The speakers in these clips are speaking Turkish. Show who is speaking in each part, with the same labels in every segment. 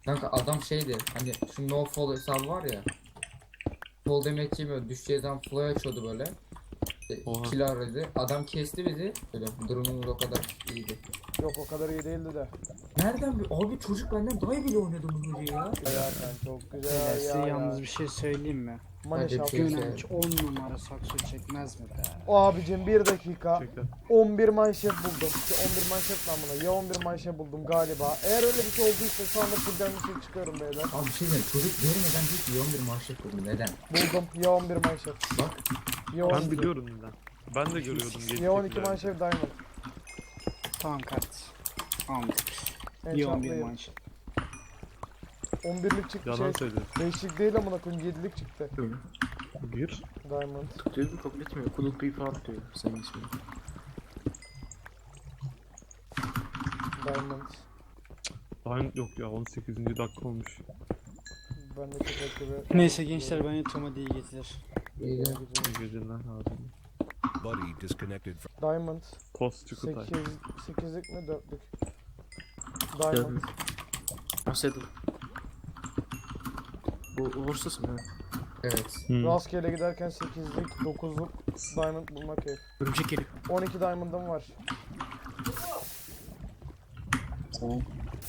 Speaker 1: Kanka adam şeydi hani şu no fall hesabı var ya. Fall demek yemiyor. Düşeceği zaman fly açıyordu böyle.
Speaker 2: Oha.
Speaker 1: Kill aradı. Adam kesti bizi. Böyle durumumuz o kadar iyiydi.
Speaker 3: Yok o kadar iyi değildi de.
Speaker 1: Nereden abi çocuk benden daha iyi bile oynadı bu hoca ya.
Speaker 3: Ya sen çok güzel
Speaker 4: Beyler size
Speaker 3: ya.
Speaker 4: yalnız bir şey söyleyeyim mi?
Speaker 3: Maneş
Speaker 1: Hadi bir
Speaker 3: abi.
Speaker 1: şey
Speaker 4: Gönenç 10 numara sakso çekmez mi be?
Speaker 3: Abicim bir dakika.
Speaker 2: Çekler.
Speaker 3: 11 manşet buldum. Şu 11 manşet lan buna. Ya 11 manşet buldum galiba. Eğer öyle bir şey olduysa şu anda fullden bir şey çıkıyorum beyler.
Speaker 1: Abi bir şey diyeyim çocuk görmeden hiç iyi 11 maaşlık buldu. Neden?
Speaker 3: Buldum. Ya 11 manşet.
Speaker 1: Bak
Speaker 3: Ya 12.
Speaker 2: Ben biliyorum neden. Ben de görüyordum.
Speaker 3: Ya 12 manşet diamond.
Speaker 4: Tamam kardeşim. Tamam. İyi 11
Speaker 3: Enchantlayın.
Speaker 4: manşet.
Speaker 3: 11'lik çıktı
Speaker 2: Yalan
Speaker 3: şey.
Speaker 2: söylüyorsun.
Speaker 3: 5'lik değil amına koyayım 7'lik çıktı.
Speaker 5: Öyle.
Speaker 2: Gir.
Speaker 3: Diamond.
Speaker 5: Tutuyor bir kabul etmiyor. Kuluk bir falan diyor senin ismin.
Speaker 3: Diamond.
Speaker 2: Daha yok ya 18. dakika olmuş.
Speaker 3: Ben de çok gibi.
Speaker 4: Neyse gençler ben yatıyorum hadi iyi geceler.
Speaker 1: iyi de.
Speaker 2: İyi geceler abi.
Speaker 6: Buddy disconnected from.
Speaker 3: Diamond.
Speaker 2: Post Çukutay.
Speaker 3: 8'lik mi 4'lük? Diamond.
Speaker 5: Saddle. Bu uğursuz mu?
Speaker 1: Evet.
Speaker 3: Rastgele giderken 8'lik 9'luk diamond bulmak keyif.
Speaker 5: Örümcek geliyor.
Speaker 3: 12 diamond'ım var.
Speaker 5: Tamam.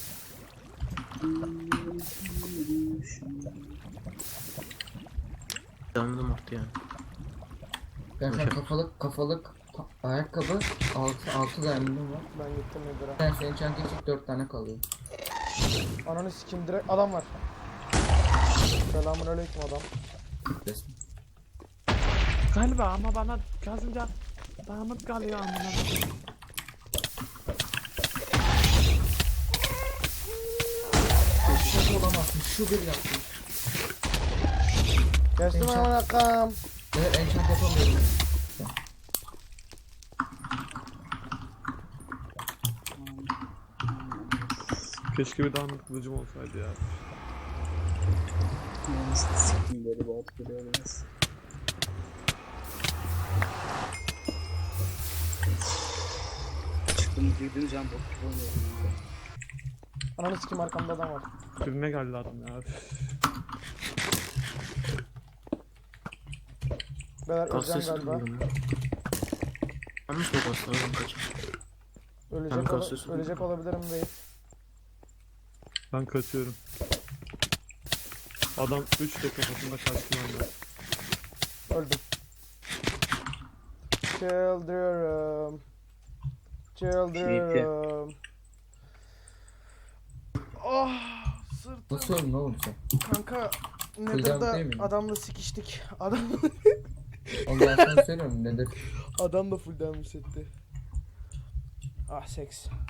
Speaker 5: Diamond'ım arttı yani.
Speaker 1: Ben sen kafalık ayakkabı 6 diamond'ım var.
Speaker 3: Ben gittim Nedir'e.
Speaker 1: Ben senin çantaya çık 4 tane kalıyor.
Speaker 3: Ananı sikim direkt adam var. Selamünaleyküm adam.
Speaker 1: Resmi.
Speaker 2: Galiba ama bana kazınca damat kalıyor amına.
Speaker 1: Şaka olamazsın şu bir yaptım.
Speaker 3: Geçtim
Speaker 1: Enchant.
Speaker 3: hemen akam.
Speaker 1: Evet enchant yapamıyorum.
Speaker 2: Keşke bir damat kılıcım olsaydı ya.
Speaker 4: Siktim böyle bot geliyor biraz. Çıktım girdim can bot gibi oynuyorum.
Speaker 3: Ananı sikim arkamda adam var.
Speaker 2: Birine geldi adam ya.
Speaker 3: Beyler öleceğim
Speaker 5: Gazete
Speaker 3: galiba.
Speaker 5: sıkıyorum ya. Yanlış mı bastı? Oradan kaç. Ben kalsiyum
Speaker 3: Ölecek olabilirim değil.
Speaker 2: Ben kaçıyorum. Adam 3 de kafasında kaçtı benden.
Speaker 3: Öldüm. Children. Children. Ah sırtım.
Speaker 1: Nasıl öldün oğlum sen?
Speaker 3: Kanka
Speaker 1: Kıldan değil
Speaker 3: Nether'da
Speaker 1: mi?
Speaker 3: adamla sikiştik. Adam
Speaker 1: Ondan sonra söylüyorum nedir?
Speaker 3: adam da full damage etti. Ah seks.